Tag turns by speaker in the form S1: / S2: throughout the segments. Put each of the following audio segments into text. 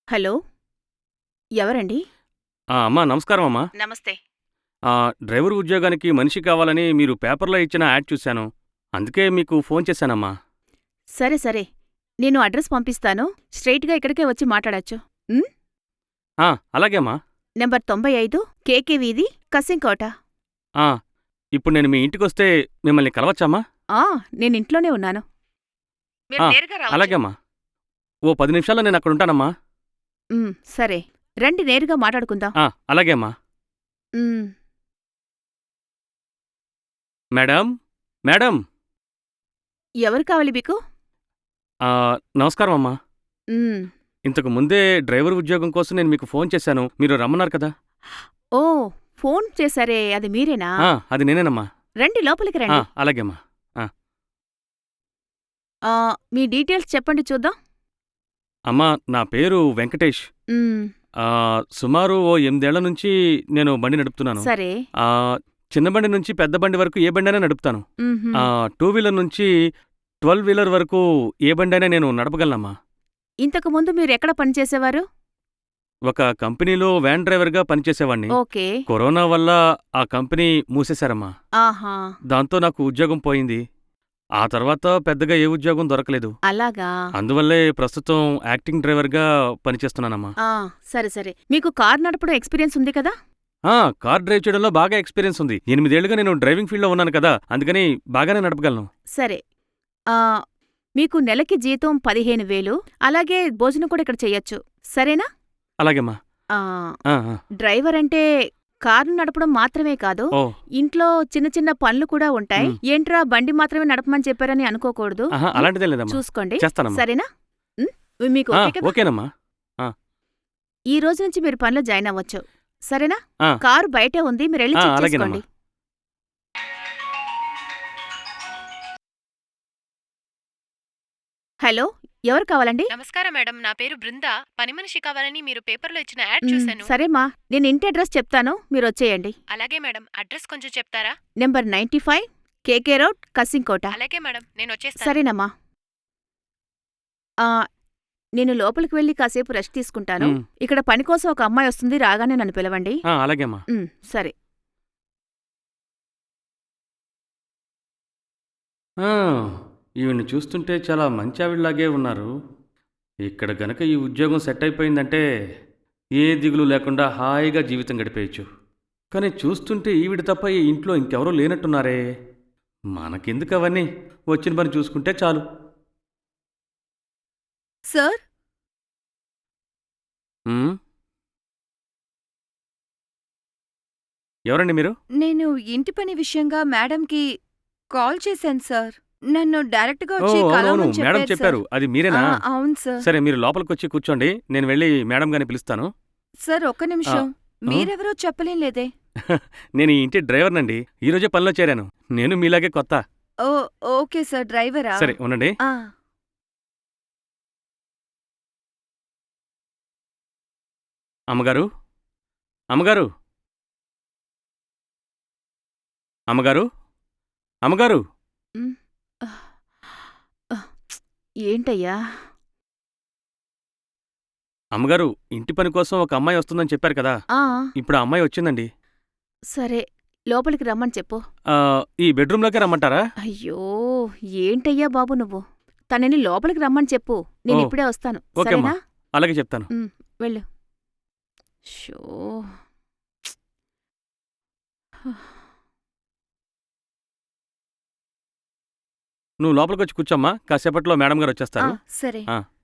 S1: Hello! ఎవరండి?
S2: అమ్మా నమస్కారం అమ్మా.
S1: నమస్తే.
S2: డ్రైవర్ ఉద్యోగానికి మనిషి కావాలని మీరు పేపర్లో ఇచ్చిన యాడ్ చూశాను. అందుకే మీకు ఫోన్ చేశానమ్మా.
S1: సరే సరే. నేను అడ్రస్ పంపిస్తాను. స్ట్రెయిట్‌గా ఇక్కడికే వచ్చి మాట్లాడొచ్చు. హ్మ్?
S2: అలాగే అమ్మా.
S1: నంబర్ 95 కేకే వీధి, కసింకోట.
S2: ఆ, ఇప్పుడు నేను మీ ఇంటికొస్తే మిమ్మల్ని కలవచ్చమ్మా?
S1: ఆ! నేనింట్లోనే ఉన్నాను. మీరు
S2: ఆ,
S1: నేరుగా రావచ్చు.
S2: అలాగే అమ్మా. ఓ 10 నిమిషాల్లో నేను అక్కడ ఉంటానమ్మా.
S1: సరే. రండి నేరుగా మాట్లాడుకుందాం.
S2: అలాగే అమ్మా.
S1: హ్మ్.
S2: Madam, madam.
S1: ఎవరు కావాలి మీకు?
S2: నమస్కారం అమ్మా.
S1: హ్మ్.
S2: ఇంతకు ముందే డ్రైవర్ ఉద్యోగం కోసం నేను మీకు ఫోన్ చేశాను. మీరు రమ్మన్నారు కదా.
S1: ఓహ్! ఫోన్ చేశారే అది మీరేనా?
S2: అది నేనేనమ్మా.
S1: రండి లోపలికి రండి.
S2: అలాగే అమ్మా.
S1: మీ డీటెయిల్స్ చెప్పండి చూద్దాం.
S2: అమ్మా, నా పేరు వెంకటేష్.
S1: హ్మ్.
S2: సుమారు ఓ 8 ఏళ్ల నుంచి నేను బండి నడుపుతున్నాను.
S1: సరే.
S2: చిన్న బండి నుంచి పెద్ద బండి వరకు ఏ బండైనా నడుపుతాను.
S1: హుహు.
S2: 2 వీలర్ నుంచి 12 వీలర్ వరకు ఏ బండైనా నేను నడపగలనమ్మా.
S1: ఇంతకు ముందు మీరెక్కడ పనిచేసేవారు?
S2: ఒక కంపెనీలో వ్యాన్ డ్రైవర్గా పనిచేసేవాణ్ణి.
S1: ఓకే.
S2: కరోనా వల్ల ఆ కంపెనీ మూసేశారమ్మా.
S1: ఆహా!
S2: దాంతో నాకు ఉద్యోగం పోయింది. ఆ తర్వాత పెద్దగా ఏ ఉద్యోగం దొరకలేదు.
S1: అలాగా?
S2: అందువల్లే ప్రస్తుతం యాక్టింగ్ డ్రైవర్గా పనిచేస్తున్నానమ్మా.
S1: సరే సరే. మీకు కారు నడపడం ఎక్స్‌పీరియన్స్ ఉంది కదా?
S2: కార్ డ్రైవ్ చేయడంలో బాగా ఎక్స్పీరియన్స్ ఉంది. 8 ఏళ్లుగా నేను డ్రైవింగ్ ఫీల్డ్‌లో ఉన్నాను కదా, అందుకని బాగానే నడపగలను.
S1: సరే. మీకు నెలకి జీతం 15,000 అలాగే భోజనం కూడా ఇక్కడ చెయ్యొచ్చు. సరేనా?
S2: అలాగేమ్మా.
S1: డ్రైవర్ అంటే కారు నడపడం మాత్రమే కాదు, ఇంట్లో చిన్న చిన్న పనులు కూడా ఉంటాయి. ఏంట్రా బండి మాత్రమే నడపమని చెప్పారని అనుకోకూడదు.
S2: అలాంటిదే లేదమ్మా.
S1: చూసుకోండి.
S2: చేస్తానమ్మా.
S1: సరేనా? మీకు ఓకే కదా?
S2: ఓకేనమ్మా.
S1: ఈ రోజు నుంచి మీరు పనిలో జాయిన్ అవ్వచ్చు. సరేనా?
S2: ఆ.
S1: కారు బయటే ఉంది. మీరెళ్ళి చెక్
S2: అలాగేనమ్మా.
S1: చేసుకోండి. హలో! ఎవరు కావాలండి?
S3: నమస్కారం మేడం, నా పేరు బృంద. పని మనిషి కావాలని మీరు పేపర్లో ఇచ్చిన యాడ్ చూశాను.
S1: సరేమా, నేను ఇంటి అడ్రస్ చెప్తాను, మీరొచ్చేయండి.
S3: అలాగే మేడం, అడ్రస్ కొంచెం చెప్తారా?
S1: Number 95 KK road, Kasimkota.
S3: అలాగే మేడం, నేను వచ్చేస్తాను.
S1: సరేనమ్మా. నేను లోపలికి వెళ్ళి కాసేపు రెస్ట్ తీసుకుంటాను. ఇక్కడ పని కోసం ఒక అమ్మాయి వస్తుంది, రాగానే నన్ను పిలవండి.
S2: అలాగేమ్మా.
S1: సరే.
S2: ఈవిడ్ని చూస్తుంటే చాలా మంచి ఆవిడలాగే ఉన్నారు. ఇక్కడ గనక ఈ ఉద్యోగం సెట్ అయిపోయిందంటే ఏ దిగులు లేకుండా హాయిగా జీవితం గడిపేయచ్చు. కానీ చూస్తుంటే ఈవిడ తప్ప ఈ ఇంట్లో ఇంకెవరూ లేనట్టున్నారే. మనకెందుకు అవన్నీ, వచ్చిన పని చూసుకుంటే చాలు.
S4: సార్,
S2: ఎవరండి మీరు?
S4: నేను ఇంటి పని విషయంగా మేడంకి కాల్ చేశాను సార్. నన్ను డైరెక్ట్గా వచ్చి
S2: అవునవును,
S4: కలవమని
S2: మేడం
S4: చెప్పారు
S2: చెప్పారు.
S4: సార్.
S2: అది మీరేనా?
S4: అవును సార్.
S2: సరే, మీరు లోపలికొచ్చి కూర్చోండి, నేను వెళ్ళి మేడం గారిని పిలుస్తాను.
S4: సార్ ఒక్క నిమిషం, మీరెవరో చెప్పలేం లేదే.
S2: నేను ఈ ఇంటి డ్రైవర్నండి. ఈరోజే పనిలో చేరాను. నేను మీలాగే కొత్త.
S4: ఓ ఓకే సార్, డ్రైవరా?
S2: సరే ఉండండి. అమ్మగారు, అమ్మగారు, అమ్మగారు, అమ్మగారు.
S1: ఏంటయ్యా?
S2: అమ్మగారు, ఇంటి పని కోసం ఒక అమ్మాయి వస్తుందని చెప్పారు కదా, ఇప్పుడు ఆ అమ్మాయి వచ్చిందండి.
S1: సరే, లోపలికి రమ్మని చెప్పు.
S2: ఈ బెడ్రూమ్లోకే రమ్మంటారా?
S1: అయ్యో, ఏంటయ్యా బాబు నువ్వు? తనని లోపలికి రమ్మని చెప్పు, నేను ఇప్పుడే వస్తాను.
S2: ఓకేమ్మా,
S1: సరేనా?
S2: అలాగే చెప్తాను.
S1: వెళ్ళు. షో
S2: నువ్వు లోపలికొచ్చి కూర్చోమ్మా, కాసేపట్లో మేడం గారు వచ్చేస్తారు.
S4: సరే.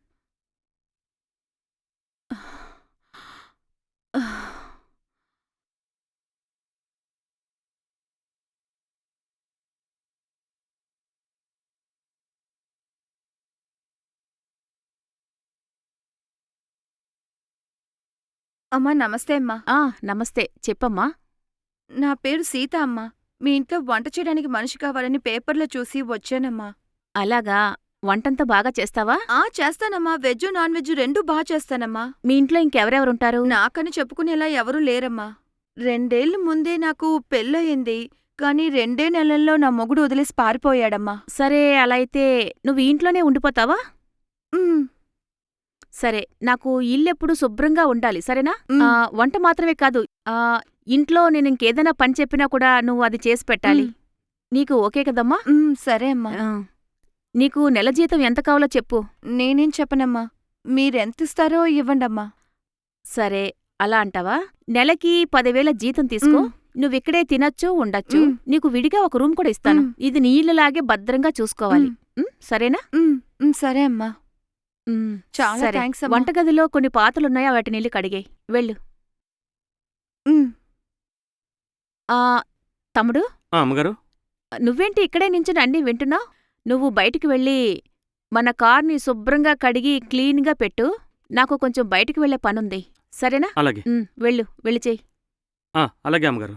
S4: అమ్మా నమస్తే అమ్మా.
S1: నమస్తే, చెప్పమ్మా.
S4: నా పేరు సీత అమ్మా. మీ ఇంట్లో వంట చేయడానికి మనిషి కావాలని పేపర్లో చూసి వచ్చానమ్మా.
S1: అలాగా? వంటంతా బాగా చేస్తావా?
S4: చేస్తానమ్మా. వెజ్ నాన్ వెజ్ రెండూ బాగా చేస్తానమ్మా.
S1: మీ ఇంట్లో ఇంకెవరెవరుంటారు?
S4: నాకని చెప్పుకునేలా ఎవరూ లేరమ్మా. 2 ఏళ్ల ముందే నాకు పెళ్ళయింది. కానీ 2 నెలల్లో నా మొగుడు వదిలేసి పారిపోయాడమ్మా.
S1: సరే, అలా అయితే నువ్వు ఇంట్లోనే ఉండిపోతావా? సరే, నాకు ఇల్లెప్పుడు శుభ్రంగా ఉండాలి, సరేనా?
S4: మ్.
S1: వంట మాత్రమే కాదు, ఆ, ఇంట్లో నేనింకేదైనా పని చెప్పినా కూడా నువ్వు అది చేసి పెట్టాలి.
S4: మ్.
S1: నీకు ఓకే కదమ్మా?
S4: సరే అమ్మా.
S1: ఆ. నీకు నెల జీతం ఎంత కావాలో చెప్పు.
S4: నేనేం చెప్పనమ్మా. మీరెంతిస్తారో ఇవ్వండమ్మా.
S1: సరే, అలా అంటావా? నెలకి 10,000 జీతం తీసుకో.
S4: మ్.
S1: నువ్విక్కడే తినొచ్చు, ఉండొచ్చు.
S4: మ్.
S1: నీకు విడిగా ఒక రూమ్ కూడా ఇస్తాను.
S4: మ్.
S1: ఇది నీ ఇల్లులాగే భద్రంగా చూసుకోవాలి. సరేనా?
S4: సరే అమ్మా.
S1: మ్,
S4: చాలా
S1: సరే.
S4: థ్యాంక్స్ అమ్మా.
S1: వంటగదిలో కొన్ని పాత్రలున్నాయా, వాటినెళ్ళి కడిగేయ్. వెళ్ళు.
S4: మ్.
S1: ఆ, తమ్ముడు,
S2: అమ్మగారు.
S1: నువ్వేంటి ఇక్కడే నించుని అన్నీ వింటున్నావ్? నువ్వు బయటికి వెళ్ళి మన కార్ని శుభ్రంగా కడిగి క్లీన్గా పెట్టు. నాకు కొంచెం బయటికి వెళ్ళే పనుంది, సరేనా?
S2: అలాగే.
S1: వెళ్ళు, వెళ్ళి చెయ్యి.
S2: అలాగే అమ్మగారు.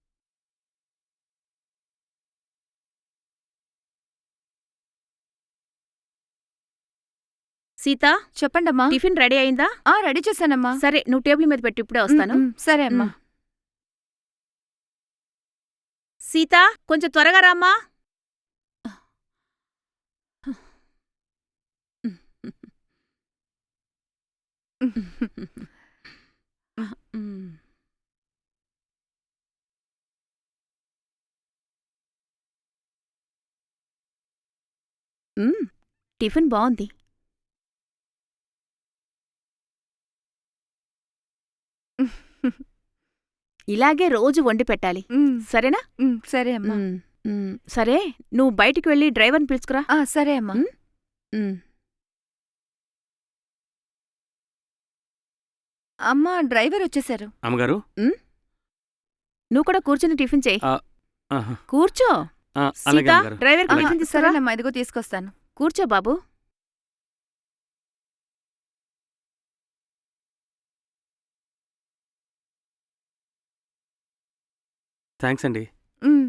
S1: సీతా,
S4: చెప్పండమ్మా.
S1: టిఫిన్ రెడీ అయిందా?
S4: రెడీ చేశానమ్మా.
S1: సరే, నువ్వు టేబుల్ మీద పెట్టి ఇప్పుడే వస్తాను.
S4: సరే అమ్మా.
S1: సీతా, కొంచెం త్వరగా రామ్మా. టిఫిన్ బావుంది. ఇలాగే రోజు వండి పెట్టాలి, సరేనా?
S4: సరే అమ్మా.
S1: సరే, నువ్వు బయటికి వెళ్ళి డ్రైవర్ని పిలుచుకురా.
S4: సరే అమ్మా. అమ్మా, డ్రైవర్ వచ్చేశారు.
S2: అమ్మగారు.
S1: నువ్వు కూడా కూర్చుని టిఫిన్ చేయి. కూర్చో.
S2: అలాగే
S1: సీతా,
S2: అమ్మగారు.
S1: డ్రైవర్కి
S2: అలాగే.
S1: టిఫిన్ తీసుకురా.
S4: సరేనమ్మా, ఇదిగో తీసుకొస్తాను.
S1: కూర్చో బాబు.
S2: థ్యాంక్స్ అండి.
S4: మ్.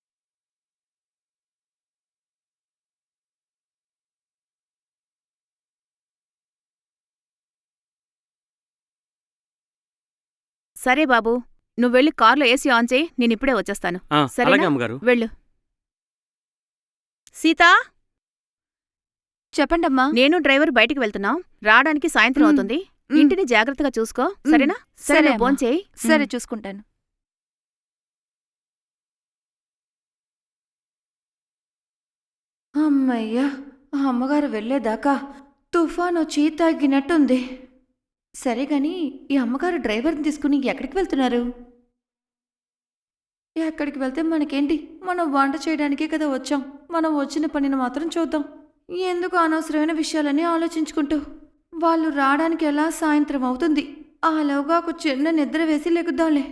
S1: సరే బాబు, నువ్వెళ్ళి కార్లో ఏసీ ఆన్ చేయి, నేనిప్పుడే వచ్చేస్తాను.
S2: అలాగే
S1: సరేనా?
S2: అమ్మగారు.
S1: వెళ్ళు. సీతా,
S4: చెప్పండమ్మా.
S1: నేను డ్రైవర్ బయటికి వెళ్తున్నాం. రావడానికి సాయంత్రం అవుతుంది. ఇంటిని జాగ్రత్తగా చూసుకో, సరేనా?
S4: సరే
S1: సరే,
S4: అమ్మా.
S1: భోంచేయి.
S4: సరే, చూసుకుంటాను. అమ్మయ్యా, అమ్మగారు వెళ్ళేదాకా తుఫానొచ్చి తగ్గినట్టుంది. సరే గాని, ఈ అమ్మగారు డ్రైవర్ని తీసుకుని ఎక్కడికి వెళ్తున్నారు? ఎక్కడికి వెళ్తే మనకేంటి? మనం వంట చేయడానికే కదా వచ్చాం. మనం వచ్చిన పనిని మాత్రం చూద్దాం. ఎందుకు అనవసరమైన విషయాలన్నీ ఆలోచించుకుంటూ? వాళ్ళు రావడానికి ఎలా సాయంత్రం అవుతుంది. ఆలోగా ఒక చిన్న నిద్ర వేసి లెగుద్దాంలే.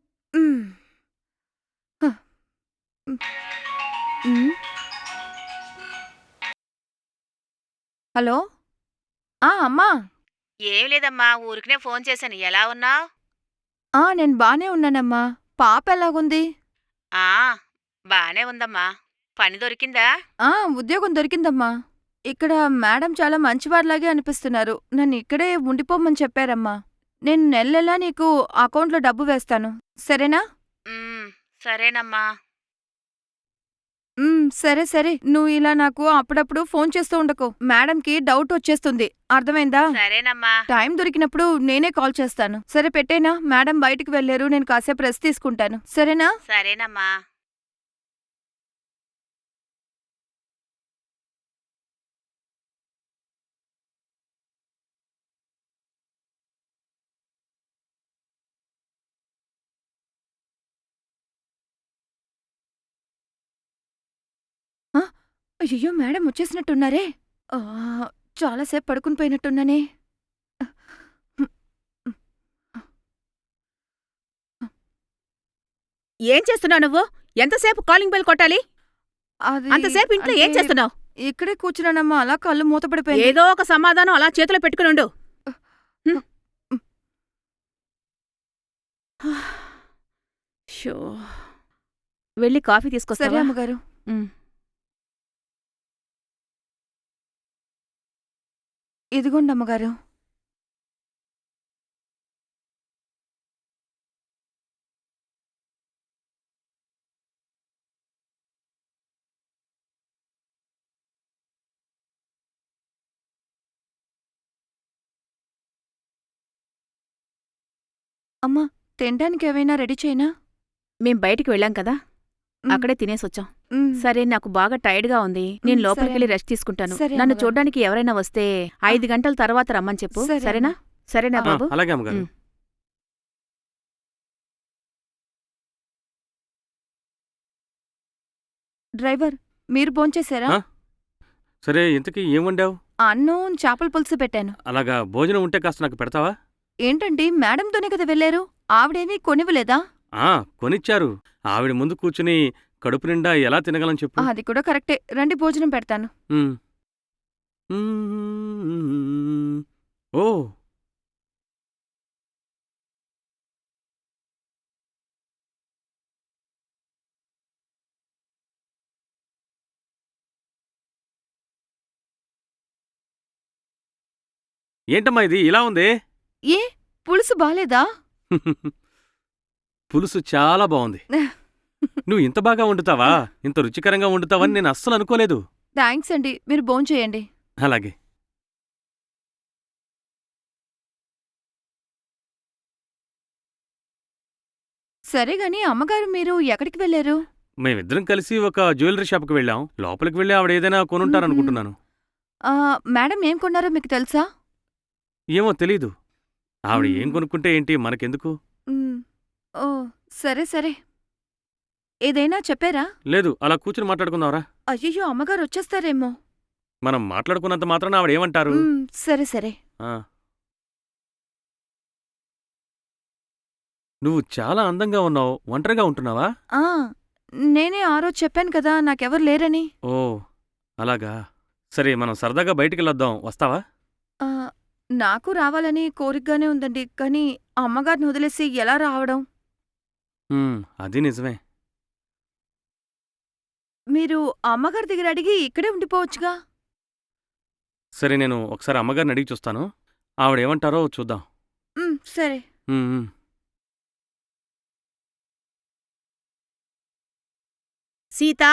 S4: హలో. అమ్మా.
S1: ఏం లేదమ్మా, ఊరికనే ఫోన్ చేశాను. ఎలా ఉన్నావ్?
S4: నేను బానే ఉన్నానమ్మా. పాప ఎలాగుంది?
S1: బానే ఉందమ్మా. పని దొరికిందా?
S4: ఉద్యోగం దొరికిందమ్మా. ఇక్కడ మేడం చాలా మంచివారిలాగే అనిపిస్తున్నారు. నన్ను ఇక్కడే ఉండిపోమని చెప్పారమ్మా. నేను నెలలా నీకు అకౌంట్లో డబ్బు వేస్తాను, సరేనా?
S1: సరేనమ్మా.
S4: సరే సరే, నువ్వు ఇలా నాకు అప్పుడప్పుడు ఫోన్ చేస్తూ ఉండకు. మేడంకి డౌట్ వచ్చేస్తుంది, అర్థమైందా?
S1: సరేనమ్మా.
S4: టైం దొరికినప్పుడు నేనే కాల్ చేస్తాను. సరే, పెట్టేనా? మేడం బయటికి వెళ్ళారు, నేను కాసేపు రెస్ట్ తీసుకుంటాను, సరేనా?
S1: సరేనమ్మా.
S4: అయ్యో, మేడం వచ్చేసినట్టున్నారే. చాలాసేపు పడుకుని పోయినట్టున్నానే.
S1: ఏం చేస్తున్నావు నువ్వు? ఎంతసేపు కాలింగ్ బెల్ కొట్టాలి?
S4: అది
S1: అంతసేపు ఇంట్లో ఏం
S4: అంటే
S1: చేస్తున్నావు?
S4: ఇక్కడే కూర్చున్నానమ్మా, అలా కళ్ళు మూతపడిపోయాయి.
S1: ఏదో ఒక సమాధానం అలా చేతిలో పెట్టుకునుండు. వెళ్ళి కాఫీ
S4: సరే
S1: తీసుకొస్తావా?
S4: అమ్మగారు. ఇదిగోండి అమ్మగారు. అమ్మా, తినడానికి ఏవైనా రెడీ చేయనా?
S1: మేం బయటికి వెళ్ళాం కదా,
S4: మ్,
S1: అక్కడే తినేసొచ్చాం.
S4: మ్,
S1: సరే, నాకు బాగా టైర్డ్గా ఉంది, నేను
S4: సరే
S1: లోపలికెళ్ళి
S4: అమ్మ.
S1: రెస్ట్ తీసుకుంటాను.
S4: సరే
S1: నన్ను
S4: అమ్మగారు.
S1: చూడ్డానికి ఎవరైనా వస్తే 5 గంటల తర్వాత రమ్మని చెప్పు.
S4: సరే
S1: సరేనా?
S4: అమ్మా.
S1: సరేనా
S4: ఆ.
S1: బాబు?
S2: అలాగే అమ్మగారు.
S1: మ్.
S4: డ్రైవర్, మీరు భోంచేశారా?
S2: ఆ? సరే, ఇంతకీ ఏం వండావు?
S4: అన్నం చేపల పులుసు పెట్టాను.
S2: అలాగా భోజనం ఉంటే కాస్త నాకు పెడతావా?
S4: ఏంటండి, మేడంతోనే కదా వెళ్ళారు, ఆవిడేమీ కొనివ్వలేదా?
S2: ఆ, కొనిచ్చారు. ఆవిడ ముందు కూర్చుని కడుపు నిండా ఎలా తినగలను చెప్పు.
S4: అది కూడా కరెక్టే, రండి భోజనం పెడతాను.
S2: మ్. మ్మ్. ఓ, ఏంటమ్మా ఇది ఇలా ఉంది?
S4: ఏ, పులుసు బాలేదా?
S2: పులుసు చాలా బాగుంది. నువ్వు ఇంత బాగా వండుతావా, ఇంత రుచికరంగా వండుతావని నేను అస్సలు అనుకోలేదు.
S4: థ్యాంక్స్ అండి, మీరు భోంచేయండి.
S2: అలాగే.
S4: సరే గాని అమ్మగారు, మీరు ఎక్కడికి వెళ్ళారు?
S2: మేమిద్దరం కలిసి ఒక జ్యువెలరీ షాప్కి వెళ్ళాం. లోపలికి వెళ్ళి ఆవిడ ఏదైనా కొనుంటారనుకుంటున్నాను.
S4: ఆ, మేడం ఏం కొన్నారో మీకు తెలుసా?
S2: ఏమో తెలీదు. ఆవిడ ఏం
S4: మ్మ్.
S2: కొనుక్కుంటే ఏంటి, మనకెందుకు?
S4: మ్, ఓ, సరే సరే. ఏదైనా చెప్పారా?
S2: లేదు, అలా కూర్చుని మాట్లాడుకుందాంరా.
S4: అయ్యయ్యో, అమ్మగారు వచ్చేస్తారేమో.
S2: మనం మాట్లాడుకున్నంత మాత్రాన ఆవిడ ఏమంటారు?
S4: సరే సరే.
S2: ఆ. నువ్వు చాలా అందంగా ఉన్నావు. ఒంటరిగా ఉంటున్నావా?
S4: ఆ, నేనే ఆ రోజు చెప్పాను కదా నాకెవరు లేరని.
S2: ఓ, అలాగా. సరే, మనం సరదాగా బయటికెళ్ళొద్దాం. వస్తావా?
S4: ఆ, నాకు రావాలని కోరికగానే ఉందండి, కానీ అమ్మగారిని వదిలేసి ఎలా రావడం?
S2: అది నిజమే.
S4: మీరు అమ్మగారి దగ్గర అడిగి ఇక్కడే ఉండిపోవచ్చుగా.
S2: సరే, నేను ఒకసారి అమ్మగారిని అడిగి చూస్తాను. ఆవిడేమంటారో చూద్దాం.
S4: సరే.
S2: ఉమ్, ఉమ్.
S1: సీతా,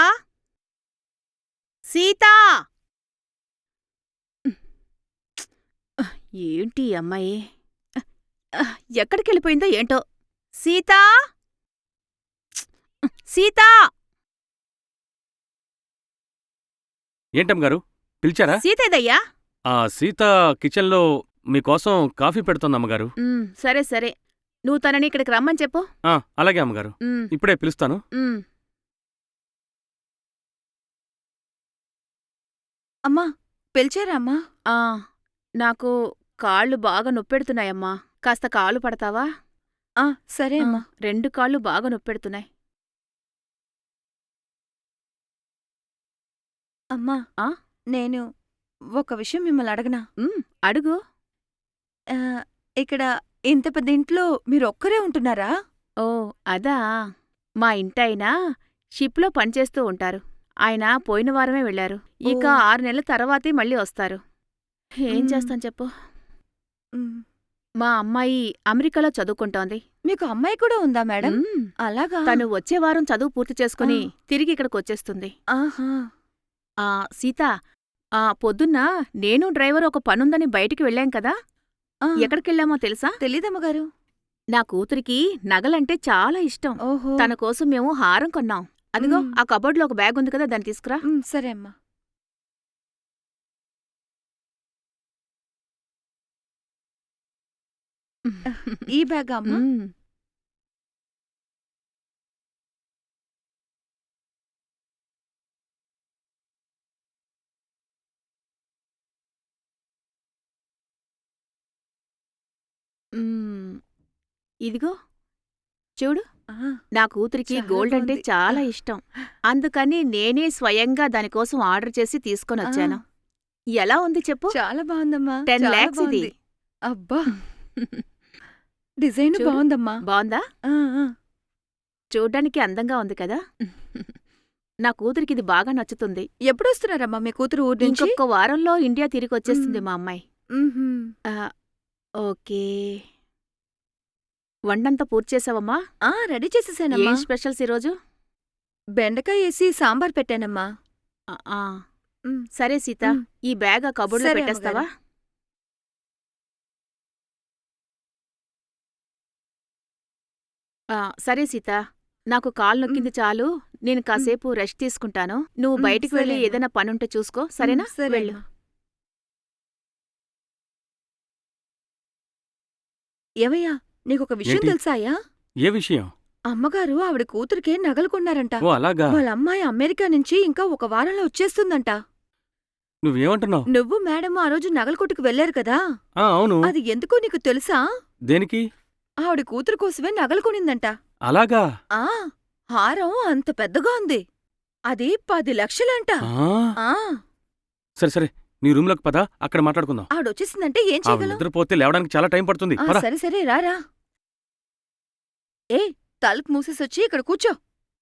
S1: సీతా! ఏంటి ఈ అమ్మాయి? ఎక్కడికెళ్ళిపోయిందో ఏంటో. సీతా, సీతా!
S2: ఏంటమ్మగారు, పిలిచారా?
S1: సీతేదయ్యా?
S2: ఆ సీత కిచెన్లో మీకోసం కాఫీ పెడుతోంది అమ్మగారు.
S1: సరే సరే, నువ్వు తనని ఇక్కడికి రమ్మని చెప్పు.
S2: అలాగే అమ్మగారు,
S1: ఉమ్,
S2: ఇప్పుడే పిలుస్తాను.
S1: ఉమ్.
S4: అమ్మా, పిలిచారా అమ్మా?
S1: ఆ, నాకు కాళ్ళు బాగా నొప్పెడుతున్నాయమ్మా. కాస్త కాలు పడతావా?
S4: సరే
S1: ఆ,
S4: అమ్మా.
S1: 2 కాళ్ళు బాగా నొప్పెడుతున్నాయి.
S4: అమ్మా,
S1: ఆ?
S4: నేను ఒక విషయం మిమ్మల్ని అడగనా?
S1: అడుగు.
S4: ఆ, ఇక్కడ ఇంత పెద్ద ఇంట్లో మీరొక్కరే ఉంటున్నారా?
S1: ఓ, అదా. మా ఇంటాయన షిప్లో పనిచేస్తూ ఉంటారు. ఆయన పోయిన వారమే వెళ్లారు. ఇక
S4: ఓ.
S1: 6 నెలల తర్వాతే మళ్ళీ వస్తారు. ఏం
S4: మ్.
S1: చేస్తాను చెప్పు.
S4: మ్,
S1: మా అమ్మాయి అమెరికాలో చదువుకుంటోంది.
S4: మీకు అమ్మాయి కూడా ఉందా మేడం?
S1: మ్,
S4: అలాగా?
S1: తను వచ్చే వారం చదువు పూర్తి చేసుకుని
S4: ఆ.
S1: తిరిగి ఇక్కడికొచ్చేస్తుంది.
S4: ఆహా.
S1: సీత, పొద్దున్న నేను డ్రైవర్ ఒక పనుందని బయటికి వెళ్ళాం కదా,
S4: ఆ,
S1: ఎక్కడికెళ్ళామో తెలుసా?
S4: తెలీదమ్మగారు.
S1: నా కూతురికి నగలంటే చాలా ఇష్టం.
S4: ఓహో.
S1: తన కోసం మేము హారం కొన్నాం. అదిగో
S4: మ్.
S1: ఆ కబోర్డ్లో ఒక బ్యాగ్ ఉంది కదా, దాన్ని తీసుకురా.
S4: సరే అమ్మా. ఈ బ్యాగా అమ్మా?
S1: మ్. మ్. ఇదిగో చూడు,
S4: ఆ,
S1: నా కూతురికి
S4: చాలా
S1: గోల్డ్ అంటే
S4: బాగుంది.
S1: చాలా ఇష్టం. అందుకని నేనే స్వయంగా దానికోసం ఆర్డర్ చేసి తీసుకొనొచ్చాను. ఎలా ఉంది చెప్పు?
S4: చాలా బాగుందమ్మా.
S1: 10
S4: చాలా
S1: lakhs ఇది.
S4: బాగుంది. అబ్బా, డిజైన్
S1: చూడు.
S4: బాగుందమ్మా.
S1: బావుందా?
S4: ఆ, ఆ.
S1: చూడ్డానికి అందంగా ఉంది కదా. నా కూతురికి ఇది బాగా నచ్చుతుంది.
S4: ఎప్పుడొస్తున్నారమ్మా మీ కూతురు ఊరి నుంచి?
S1: ఇంకొక వారంలో ఇండియా తిరిగొచ్చేస్తుంది మా అమ్మాయి.
S4: మ్హూ.
S1: ఓకే. వంటంతా పూర్తి చేసావమ్మా?
S4: రెడీ చేసేసానమ్మా.
S1: ఏం స్పెషల్స్ ఈరోజు?
S4: బెండకాయ వేసి సాంబార్ పెట్టానమ్మా.
S1: ఆ, ఆ.
S4: మ్.
S1: సరే సీత,
S4: మ్.
S1: ఈ బ్యాగ్ ఆ కబోర్డ్లో
S4: సరే
S1: పెట్టేస్తావా?
S4: అమ్మగారు.
S1: సరే సీత, నాకు కాలు నొక్కింది చాలు. నేను కాసేపు రెస్ట్ తీసుకుంటాను. నువ్వు బయటికి వెళ్ళి
S4: సరే అమ్మా.
S1: ఏదైనా పనుంటే చూసుకో, సరేనా?
S4: సరే
S1: వెళ్ళు.
S4: అమ్మా. ఏమయ్యా, నీకొక విషయం
S2: ఏంటి?
S4: తెలుసాయా?
S2: ఏ విషయం?
S4: అమ్మగారు ఆవిడ కూతురికే నగలు కొన్నారంట.
S2: ఓ అలాగా?
S4: వాళ్ళ అమ్మాయి అమెరికా నుంచి ఇంకా ఒక వారంలో వచ్చేస్తుందంట.
S2: నువ్వేమంటున్నావు?
S4: నువ్వు మేడం ఆ రోజు నగల కొట్టుకు వెళ్లారు కదా,
S2: అవును.
S4: అది ఎందుకో నీకు తెలుసా?
S2: దేనికి?
S4: ఆవిడ కూతురు కోసమే నగలు కొనిందంట.
S2: అలాగా?
S4: ఆ హారం అంత పెద్దగా ఉంది. అది 10 లక్షలంట.
S2: ఆ,
S4: ఆ
S2: సరే సరే, నీ రూమ్లోకి పద, అక్కడ మాట్లాడుకుందాం.
S4: ఆవిడొచ్చేసిందంటే ఏం
S2: ఆవిడ
S4: చేయగలం?
S2: నిద్రపోతే లేవడానికి చాలా టైం పడుతుంది.
S4: ఆ,
S2: పద.
S4: సరే సరే రారా. ఏ తలుపు మూసేసొచ్చి ఇక్కడ కూర్చో.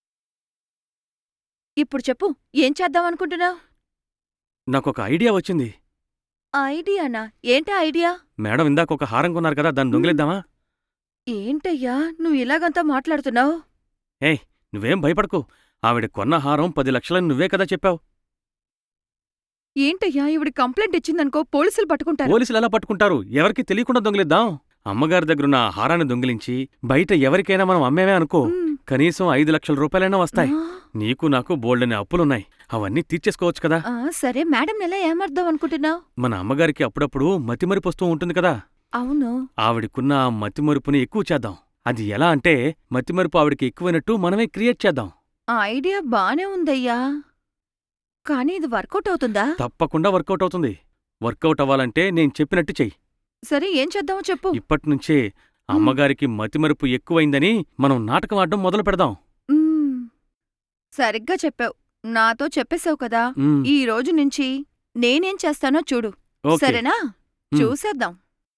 S4: ఇప్పుడు చెప్పు, ఏం చేద్దామనుకుంటున్నావు?
S2: నాకొక ఐడియా వచ్చింది.
S4: ఐడియానా? ఏంటా ఐడియా?
S2: మేడం ఇందాక ఒక హారం కొన్నారు కదా, దాన్ని దొంగిలిద్దామా?
S4: ఏంటయ్యా నువ్వు ఇలాగంతా మాట్లాడుతున్నావు?
S2: ఏయ్, నువ్వేం భయపడకు. ఆవిడ కొన్న హారం 10 లక్షలని నువ్వే కదా చెప్పావు.
S4: ఏంటయ్యా ఇవిడ కంప్లైంట్ ఇచ్చిందనుకో పోలీసులు పట్టుకుంటారు.
S2: పోలీసులు ఎలా పట్టుకుంటారు? ఎవరికి తెలియకుండా దొంగిలిద్దాం. అమ్మగారి దగ్గరున్న ఆ హారాన్ని దొంగిలించి బయట ఎవరికైనా మనం అమ్మేమే అనుకో,
S4: మ్,
S2: కనీసం 5 లక్షల రూపాయలైనా వస్తాయి.
S4: ఆ,
S2: నీకు నాకు బోల్డని అప్పులున్నాయి, అవన్నీ తీర్చేసుకోవచ్చు కదా.
S4: ఆ, సరే మేడం ఎలా ఏమర్థం అనుకుంటున్నావు?
S2: మన అమ్మగారికి అప్పుడప్పుడు మతిమరుపు వస్తూ ఉంటుంది కదా,
S4: అవును.
S2: ఆవిడకున్న ఆ మతిమరుపుని ఎక్కువ చేద్దాం. అది ఎలా అంటే, మతిమరుపు ఆవిడకి ఎక్కువైనట్టు మనమే క్రియేట్ చేద్దాం.
S4: ఆ ఐడియా బానే ఉందయ్యా, కానీ ఇది వర్కౌట్ అవుతుందా?
S2: తప్పకుండా వర్కౌట్ అవుతుంది. వర్కౌట్ అవ్వాలంటే నేను చెప్పినట్టు చెయ్యి.
S4: సరే ఏం చేద్దామో చెప్పు.
S2: ఇప్పటినుంచే అమ్మగారికి మతిమరుపు ఎక్కువైందని మనం నాటకం ఆడడం మొదలు పెడదాం.
S4: మ్, సరిగ్గా చెప్పావు. నాతో చెప్పేశావు కదా,
S2: మ్,
S4: ఈ రోజు నుంచి నేనేం చేస్తానో చూడు.
S2: ఓకే.
S4: సరేనా?
S2: మ్.
S4: చూసేద్దాం.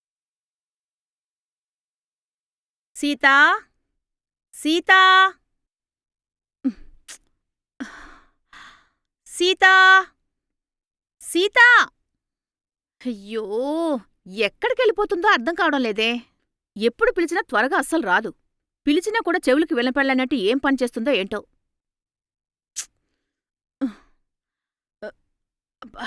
S1: సీతా, సీతా, సీతా, సీతా. అయ్యో, ఎక్కడికెళ్ళిపోతుందో అర్థం కావడం లేదే. ఎప్పుడు పిలిచినా త్వరగా అస్సలు రాదు. పిలిచినా కూడా చెవులకి వినపడలేనట్టు ఏం పని చేస్తుందో ఏంటో. అబ్బా.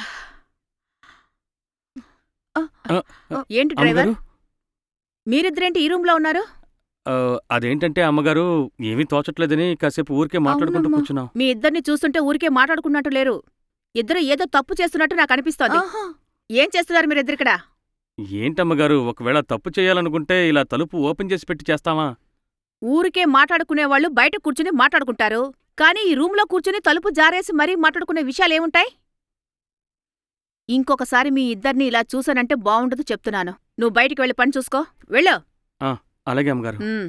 S1: ఏంటి డ్రైవర్,
S2: అమ్మగారు,
S1: మీరిద్దరేంటి ఈ రూంలో ఉన్నారు?
S2: అదేంటంటే అమ్మగారు, ఏమీ తోచట్లేదని కాసేపు ఊరికే మాట్లాడుకుంటూ
S4: అవునమ్మా.
S2: కూర్చున్నాం.
S1: మీ ఇద్దరిని చూస్తుంటే ఊరికే మాట్లాడుకున్నట్టు లేరు. ఇద్దరు ఏదో తప్పు చేస్తున్నట్టు నాకు అనిపిస్తోంది.
S4: ఆహా,
S1: ఏం చేస్తున్నారు మీరిద్దరిక్కడ?
S2: ఏంటమ్మగారు, ఒకవేళ తప్పు చేయాలనుకుంటే ఇలా తలుపు ఓపెన్ చేసి పెట్టి చేస్తామా?
S1: ఊరికే మాట్లాడుకునేవాళ్ళు బయట కూర్చుని మాట్లాడుకుంటారు, కానీ ఈ రూంలో కూర్చుని తలుపు జారేసి మరీ మాట్లాడుకునే విషయాలేముంటాయి? ఇంకొకసారి మీ ఇద్దరిని ఇలా చూసానంటే బావుండదు చెప్తున్నాను. నువ్వు బయటికి వెళ్ళి పని చూసుకో. వెళ్ళు.
S2: అలాగే అమ్మగారు.
S1: ఉమ్.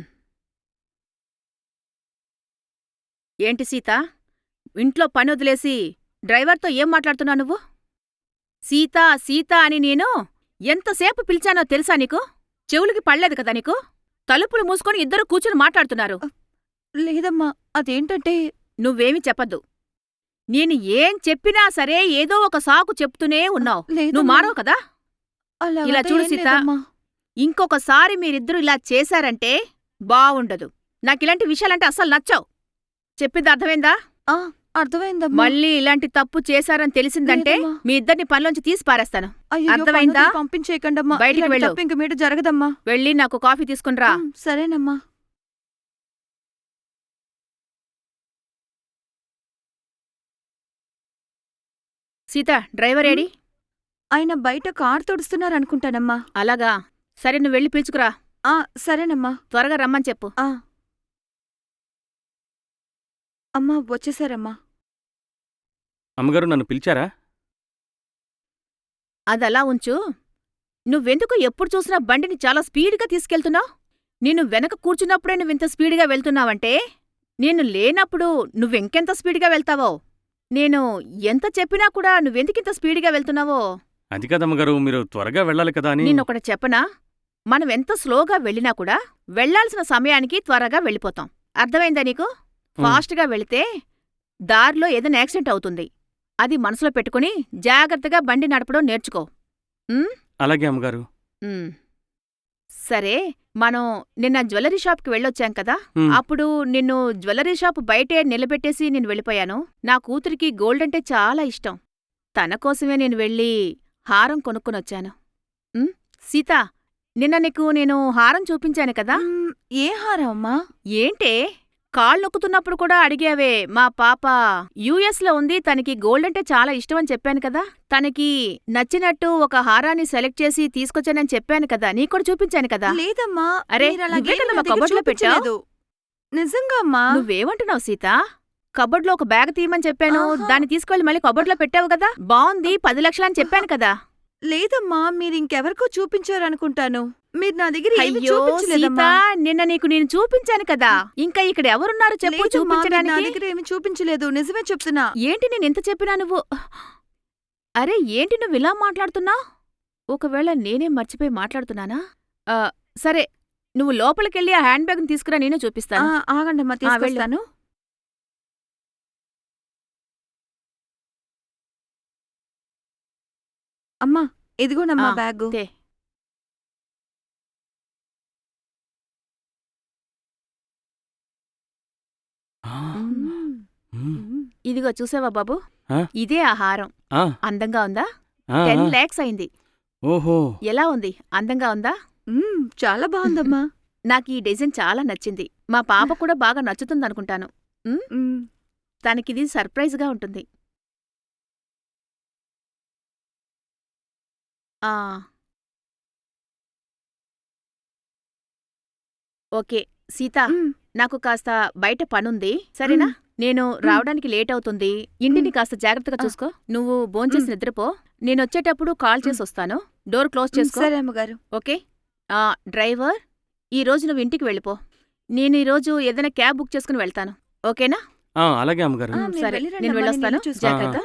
S1: ఏంటి సీత, ఇంట్లో పని వదిలేసి డ్రైవర్తో ఏం మాట్లాడుతున్నావు నువ్వు? సీతా సీతా అని నేను ఎంతసేపు పిలిచానో తెలుసా నీకు? చెవులకి పడలేదు కదా నీకు? తలుపులు మూసుకొని ఇద్దరు కూర్చుని మాట్లాడుతున్నారు.
S4: లేదమ్మా, అదేంటంటే
S1: నువ్వేమీ చెప్పద్దు. నేను ఏం చెప్పినా సరే ఏదో ఒక సాకు చెప్తూనే ఉన్నావు. నువ్వు
S4: లేదమ్మా,
S1: మారవు కదా?
S4: అలాగంటే
S1: ఇలా చూడు
S4: ఏం
S1: సీత,
S4: లేదమ్మా.
S1: ఇంకొకసారి మీరిద్దరూ ఇలా చేశారంటే బావుండదు. నాకిలాంటి విషయాలంటే అస్సలు నచ్చావు. చెప్పింది అర్థమైందా?
S4: ఆ, అర్థమైందమ్మా.
S1: మళ్ళీ ఇలాంటి తప్పు చేశారని తెలిసిందంటే
S4: లేదమ్మా.
S1: మీ ఇద్దరిని పనిలోంచి తీసి పారేస్తాను.
S4: అయ్యయ్యో,
S1: అర్థమైందా?
S4: పనులు పంపించేయకండమ్మా.
S1: బయటికి
S4: ఇలాంటి
S1: వెళ్ళు.
S4: తప్పు ఇంక మీట జరగదమ్మా.
S1: వెళ్ళి నాకు కాఫీ తీసుకునిరా.
S4: సరేనమ్మా.
S1: సీత, డ్రైవర్ ఏడి?
S4: ఆయన బయట కారు తుడుస్తున్నారనుకుంటానమ్మా.
S1: అలాగా, సరే నువ్వు వెళ్ళి పిలుచుకురా.
S4: ఆ, సరేనమ్మా.
S1: త్వరగా రమ్మని చెప్పు.
S4: ఆ, అమ్మా వచ్చేసారమ్మా.
S2: అమ్మగారు, నన్ను పిలిచారా?
S1: అదలా ఉంచు. నువ్వెందుకు ఎప్పుడు చూసినా బండిని చాలా స్పీడ్గా తీసుకెళ్తున్నావు? నేను వెనక కూర్చున్నప్పుడే నువ్వింత స్పీడ్గా వెళ్తున్నావంటే నేను లేనప్పుడు నువ్వెంకెంత స్పీడ్గా వెళ్తావో. నేను ఎంత చెప్పినా కూడా నువ్వెందుకింత స్పీడ్గా వెళ్తున్నావో.
S2: అది కాదమ్మగారు, మీరు త్వరగా వెళ్ళాలి కదా అని.
S1: నిన్నొకటి చెప్పనా? మనం ఎంత స్లోగా వెళ్ళినా కూడా వెళ్లాల్సిన సమయానికి త్వరగా వెళ్ళిపోతాం. అర్థమైందా నీకు? ఫాస్ట్గా వెళితే దారిలో ఏదైనా యాక్సిడెంట్ అవుతుంది. అది మనసులో పెట్టుకుని జాగ్రత్తగా బండి నడపడం నేర్చుకో. ఉమ్?
S2: అలాగే అమ్మగారు.
S1: ఉమ్. సరే, మనం నిన్న జ్యువెలరీ షాప్కి వెళ్ళొచ్చాం కదా,
S2: ఉమ్,
S1: అప్పుడు నిన్ను జ్యువెలరీ షాప్ బయటే నిలబెట్టేసి నేను వెళ్ళిపోయాను. నా కూతురికి గోల్డ్ అంటే చాలా ఇష్టం. తన కోసమే నేను వెళ్ళి హారం కొనుక్కొనొచ్చాను. సీత, నిన్న నీకు నేను హారం చూపించాను కదా.
S4: ఏ హారం అమ్మా?
S1: ఏంటే కాళ్ళు నొక్కుతున్నప్పుడు కూడా అడిగావే. మా పాప యుఎస్ లో ఉంది, తనకి గోల్డ్ అంటే చాలా ఇష్టం అని చెప్పాను కదా. తనకి నచ్చినట్టు ఒక హారాన్ని సెలెక్ట్ చేసి తీసుకొచ్చానని చెప్పాను కదా, నీకు కూడా చూపించాను కదా.
S4: లేదమ్మా.
S1: అరే,
S4: మీరు అలాగే
S1: నువ్వే కదా
S4: నా
S1: మా
S4: దగ్గర
S1: కబోర్డ్లో పెట్టావు.
S4: చూపించలేదు. నిజంగా అమ్మా.
S1: నువ్వేమంటున్నావు సీత? కబోర్డ్లో ఒక బ్యాగ్ తీయమని చెప్పాను,
S4: ఆహా.
S1: దాన్ని తీసుకెళ్లి మళ్ళీ కబోర్డ్లో పెట్టావు కదా. బాగుంది, 10 లక్షలు అని చెప్పాను కదా.
S4: లేదమ్మా, మీరు ఇంకెవరికో చూపించారనుకుంటాను. మీరు నా దగ్గర ఏమీ
S1: అయ్యో సీత,
S4: చూపించలేదమ్మా.
S1: నిన్న నీకు నేను చూపించాను కదా. ఇంకా ఇక్కడ ఎవరున్నారు చెప్పు
S4: లేదమ్మా, మీరు నా
S1: చూపించడానికి.
S4: దగ్గర ఏమీ చూపించలేదు. నిజమే చెప్తున్నా.
S1: ఏంటి నేను ఎంత చెప్పినా నువ్వు? అరే ఏంటి నువ్వు ఇలా మాట్లాడుతున్నావు? ఒకవేళ నేనే మర్చిపోయి మాట్లాడుతున్నానా? ఆ, సరే, నువ్వు లోపలికెళ్ళి ఆ హ్యాండ్ బ్యాగ్ని తీసుకురా, నేనే చూపిస్తాను.
S4: ఆగండమ్మా, తీసుకొస్తాను. అమ్మా, ఇదిగోనమ్మా
S1: ఆ,
S4: బ్యాగు.
S1: తే.
S2: ఆ,
S4: మ్మ్.
S2: మ్మ్.
S4: మ్మ్.
S1: ఇదిగో చూసావా బాబు,
S2: ఆ?
S1: ఇదే ఆ హారం.
S2: ఆ,
S1: అందంగా ఉందా?
S2: ఆ,
S1: 10
S2: ఆ.
S1: lakhs అయింది.
S2: ఓహో.
S1: ఎలా ఉంది? అందంగా ఉందా?
S4: చాలా బాగుందమ్మా.
S1: నాకు ఈ డిజైన్ చాలా నచ్చింది. మా పాప కూడా బాగా నచ్చుతుందనుకుంటాను.
S4: మ్మ్.
S1: తనకిది సర్ప్రైజ్గా ఉంటుంది. ఆ. ఓకే సీత,
S4: మ్మ్.
S1: నాకు కాస్త బయట పనుంది, సరేనా? నేను రావడానికి లేట్ అవుతుంది. ఇంటిని కాస్త జాగ్రత్తగా చూసుకో. నువ్వు భోంచేసి నిద్రపో. నేనొచ్చేటప్పుడు కాల్ చేసి వస్తాను. డోర్ క్లోజ్ చేసుకో.
S4: సరే అమ్మగారు.
S1: ఓకే. డ్రైవర్, ఈరోజు నువ్వు ఇంటికి వెళ్ళిపో. నేను ఈరోజు ఏదైనా క్యాబ్ బుక్ చేసుకుని వెళ్తాను. ఓకేనా?
S2: ఆ, అలాగే అమ్మగారు.
S4: మీరు
S1: సరే,
S4: వెళ్ళిరండి
S1: నేను
S4: అమ్మా,
S1: వెళ్ళొస్తాను.
S4: నేను ఇల్లు చూసుకుంటా.
S1: జాగ్రత్త.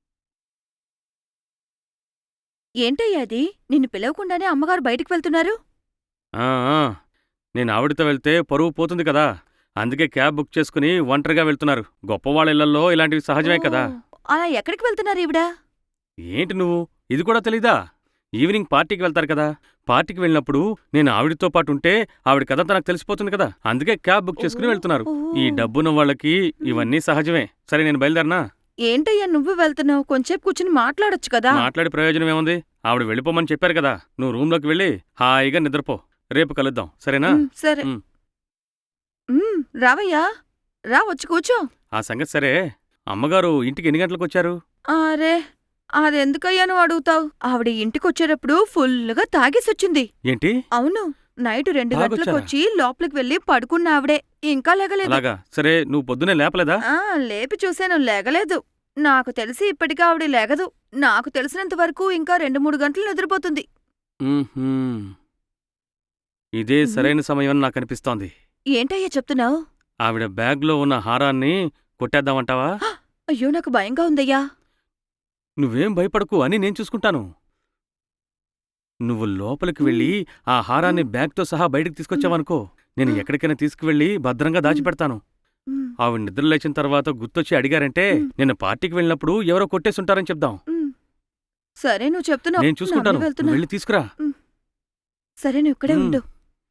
S4: ఏంటయ్యా అది? నిన్ను పిలవకుండానే అమ్మగారు బయటికి వెళ్తున్నారు?
S2: ఆ, ఆ. నేను ఆవిడతో వెళ్తే పరువు పోతుంది కదా, అందుకే క్యాబ్ బుక్ చేసుకుని ఒంటరిగా వెళ్తున్నారు. గొప్పవాళ్ళ ఇళ్లలో ఇలాంటివి సహజమే కదా.
S4: ఓ, అలా ఎక్కడికి వెళ్తున్నారు ఈవిడ?
S2: ఏంటి నువ్వు ఇది కూడా తెలీదా? ఈవినింగ్ పార్టీకి వెళ్తారు కదా. పార్టీకి వెళ్ళినప్పుడు నేను ఆవిడతో పాటు ఉంటే ఆవిడ కథంతా నాకు తెలిసిపోతుంది కదా, అందుకే క్యాబ్ బుక్ చేసుకుని వెళ్తున్నారు. ఈ డబ్బున్న వాళ్ళకి ఇవన్నీ సహజమే. సరే, నేను బయలుదేరనా?
S4: ఏంటయ్యా నువ్వు వెళ్తున్నావు? కొంచెంసేపు కూర్చుని మాట్లాడొచ్చు కదా.
S2: మాట్లాడే ప్రయోజనం ఏముంది? ఆవిడ వెళ్ళిపోమని చెప్పారు కదా, నువ్వు రూమ్లోకి వెళ్ళి హాయిగా నిద్రపో. రేపు కలుద్దాం, సరేనా?
S4: సరే.
S2: మ్.
S4: రావయ్యా, రా, వచ్చి కూర్చో.
S2: ఆ సంగతి సరే, అమ్మగారు ఇంటికి ఎన్ని గంటలకు వచ్చారు?
S4: అరే, అదెందుకయ్యా నువ్వు అడుగుతావు? ఆవిడ ఇంటికొచ్చేటప్పుడు ఫుల్లుగా తాగేసొచ్చింది.
S2: ఏంటి?
S4: అవును, నైట్ 2
S2: తాగొచ్చారా?
S4: గంటలకొచ్చి లోపలికి వెళ్ళి పడుకున్న ఆవిడే ఇంకా లేగలేదు.
S2: అలాగా, సరే, నువ్వు పొద్దునే లేపలేదా?
S4: లేపి చూశాను, లేగలేదు. నాకు తెలిసి ఇప్పటికీ ఆవిడ లేగదు. నాకు తెలిసినంత వరకు ఇంకా 2-3 గంటలు నిద్రపోతుంది.
S2: మ్మ్హ్మ్. ఇదే సరైన సమయం అని నాకు అనిపిస్తోంది.
S4: ఏంటయ్యా చెప్తున్నావు?
S2: ఆవిడ బ్యాగ్లో ఉన్న హారాన్ని కొట్టేద్దామంటావా?
S4: అయ్యో, నాకు భయంగా ఉందయ్యా.
S2: నువ్వేం భయపడకు, అని నేను చూసుకుంటాను. నువ్వు లోపలికి వెళ్ళి ఆ హారాన్ని బ్యాగ్తో సహా బయటికి తీసుకొచ్చావనుకో, నేను ఎక్కడికైనా తీసుకువెళ్ళి భద్రంగా దాచిపెడతాను. ఆవిడ నిద్ర లేచిన తర్వాత గుర్తొచ్చి అడిగారంటే నిన్న పార్టీకి వెళ్ళినప్పుడు ఎవరో కొట్టేసుంటారని చెప్దాం.
S4: సరే, నువ్వు చెప్తున్నావు.
S2: నేను చూసుకుంటాను,
S4: నమ్మి
S2: నువ్వు
S4: వెళ్తున్నా.
S2: వెళ్ళి తీసుకురా.
S4: సరే, నువ్వు ఇక్కడే
S2: మ్.
S4: ఉండు.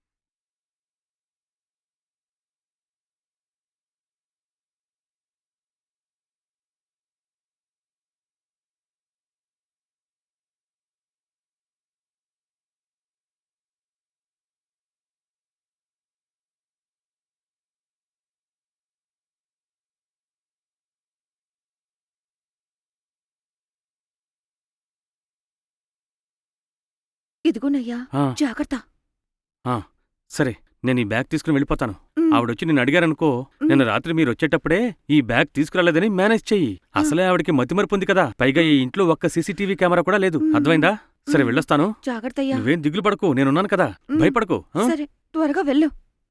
S4: ఇదిగోనయ్యా,
S2: ఆ,
S4: జాగ్రత్త.
S2: సరే, నేను ఈ బ్యాగ్ తీసుకుని వెళ్ళిపోతాను.
S4: మ్.
S2: ఆవిడొచ్చి నిన్ను అడిగారనుకో, నిన్న రాత్రి మీరు వచ్చేటప్పుడే ఈ బ్యాగ్ తీసుకురాలేదని మేనేజ్ చెయ్యి. అసలే ఆవిడకి మతిమరుపు ఉంది కదా, పైగా ఈ ఇంట్లో ఒక్క సీసీటీవీ కెమెరా కూడా లేదు. అర్థమైందా? సరే, వెళ్ళొస్తాను.
S4: జాగ్రత్తయ్యా.
S2: నువ్వేం దిగులు పడకు, నేనున్నాను కదా,
S4: మ్.
S2: భయపడకు. ఆ?
S4: సరే, త్వరగా వెళ్ళు.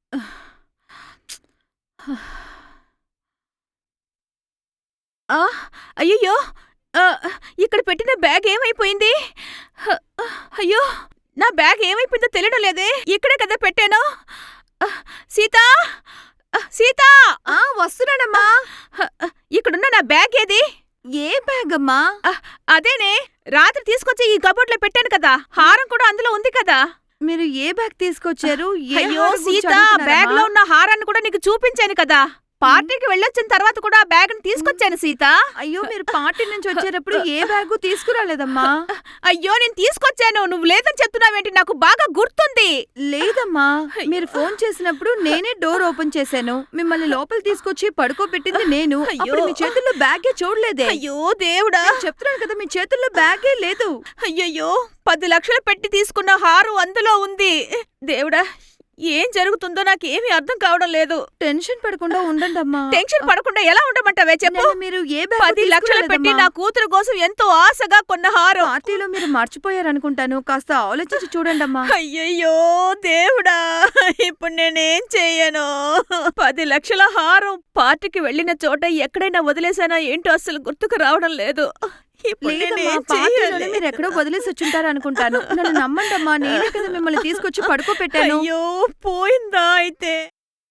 S1: అయ్యయ్యో, ఇక్కడ పెట్టిన బ్యాగ్ ఏమైపోయింది? అయ్యో, నా బ్యాగ్ ఏమైపోయిందో తెలియడం లేదే. ఇక్కడే కదా పెట్టాను. సీతా, సీతా,
S4: వస్తున్నానమ్మా.
S1: ఇక్కడున్న నా బ్యాగ్ ఏది?
S4: ఏ బ్యాగ్ అమ్మా?
S1: అదేనే, రాత్రి తీసుకొచ్చి ఈ కబోర్డ్లో పెట్టాను కదా, హారం కూడా అందులో ఉంది కదా.
S4: మీరు ఏ బ్యాగ్ తీసుకొచ్చారు? ఏ
S1: అయ్యో
S4: హారం గురించి
S1: సీతా,
S4: అడుగుతున్నారమ్మా?
S1: బ్యాగ్ లో ఉన్న హారాన్ని కూడా నీకు చూపించాను కదా. పార్టీకి వెళ్ళొచ్చిన తర్వాత కూడా ఆ బ్యాగ్ని తీసుకొచ్చాను సీత.
S4: అయ్యో, మీరు పార్టీ నుంచి వచ్చేటప్పుడు ఏ బ్యాగు తీసుకురాలేదమ్మా.
S1: అయ్యో నేను తీసుకొచ్చాను, నువ్వు లేదని చెప్తున్నావేంటి? నాకు బాగా గుర్తుంది.
S4: లేదమ్మా, మీరు ఫోన్ చేసినప్పుడు నేనే డోర్ ఓపెన్ చేశాను. మిమ్మల్ని లోపల తీసుకొచ్చి పడుకోబెట్టింది నేను. అప్పుడు మీ చేతుల్లో బ్యాగే చూడలేదే.
S1: అయ్యో దేవుడా,
S4: చెప్తున్నాను కదా, మీ చేతుల్లో బ్యాగే లేదు.
S1: అయ్యయ్యో 10 లక్షలు పెట్టి తీసుకున్న హారం అందులో ఉంది. దేవుడా, ఏం జరుగుతుందో నాకేమీ అర్థం కావడం లేదు.
S4: టెన్షన్ పడకుండా ఉండండమ్మా.
S1: టెన్షన్ పడకుండా ఎలా ఉండమంటావే చెప్పు?
S4: నిన్న మీరు ఏ బ్యాగు
S1: 10 లక్షలు పెట్టి
S4: తీసుకురాలేదమ్మా.
S1: నా కూతురు కోసం ఎంతో ఆశగా కొన్న హారం.
S4: పార్టీలో మీరు మర్చిపోయారనుకుంటాను. కాస్త ఆలోచించి చూడండమ్మా.
S1: అయ్యయ్యో దేవుడా, ఇప్పుడు నేనేం చెయ్యను? 10 లక్షల హారం పార్టీకి వెళ్ళిన చోట ఎక్కడైనా వదిలేసానా ఏంటో అస్సలు గుర్తుకు రావడం లేదు. ఇప్పుడు
S4: లేదమ్మా,
S1: నేనేం
S4: పార్టీలోనే
S1: చెయ్యాలి?
S4: మీరు ఎక్కడో వదిలేసి వచ్చుంటారు అనుకుంటాను. నన్ను నమ్మండమ్మా, నేనే కదా మిమ్మల్ని తీసుకొచ్చి పడుకోబెట్టాను.
S1: అయ్యో పోయిందా అయితే?